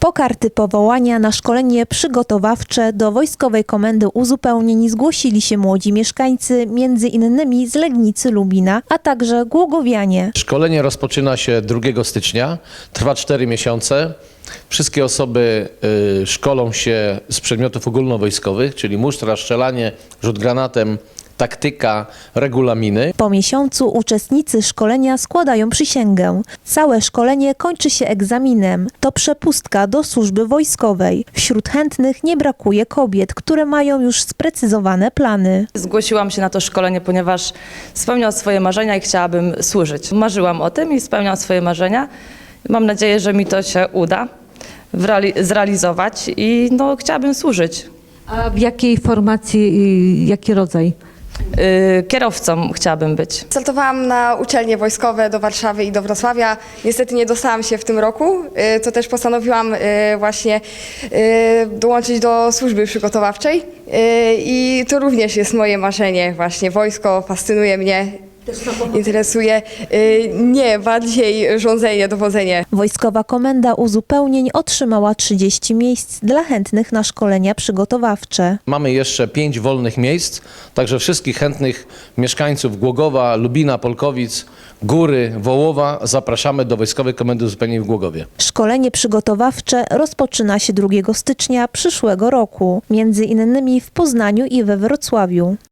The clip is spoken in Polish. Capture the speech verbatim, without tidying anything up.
Po karty powołania na szkolenie przygotowawcze do Wojskowej Komendy Uzupełnień zgłosili się młodzi mieszkańcy, między innymi z Legnicy, Lubina, a także głogowianie. Szkolenie rozpoczyna się drugiego stycznia, trwa cztery miesiące. Wszystkie osoby y, szkolą się z przedmiotów ogólnowojskowych, czyli musztra, strzelanie, rzut granatem, taktyka, regulaminy. Po miesiącu uczestnicy szkolenia składają przysięgę. Całe szkolenie kończy się egzaminem. To przepustka do służby wojskowej. Wśród chętnych nie brakuje kobiet, które mają już sprecyzowane plany. Zgłosiłam się na to szkolenie, ponieważ spełniam swoje marzenia i chciałabym służyć. Marzyłam o tym i spełniam swoje marzenia. Mam nadzieję, że mi to się uda zrealizować i no, chciałabym służyć. A w jakiej formacji i jaki rodzaj? Yy, kierowcą chciałabym być. Startowałam na uczelnie wojskowe do Warszawy i do Wrocławia. Niestety nie dostałam się w tym roku, y, to też postanowiłam y, właśnie y, dołączyć do służby przygotowawczej y, i to również jest moje marzenie właśnie. Wojsko fascynuje mnie, interesuje. Y, nie, bardziej rządzenie, dowodzenie. Wojskowa Komenda Uzupełnień otrzymała trzydzieści miejsc dla chętnych na szkolenia przygotowawcze. Mamy jeszcze pięć wolnych miejsc, także wszystkich chętnych mieszkańców Głogowa, Lubina, Polkowic, Góry, Wołowa zapraszamy do Wojskowej Komendy Uzupełnień w Głogowie. Szkolenie przygotowawcze rozpoczyna się drugiego stycznia przyszłego roku, między innymi w Poznaniu i we Wrocławiu.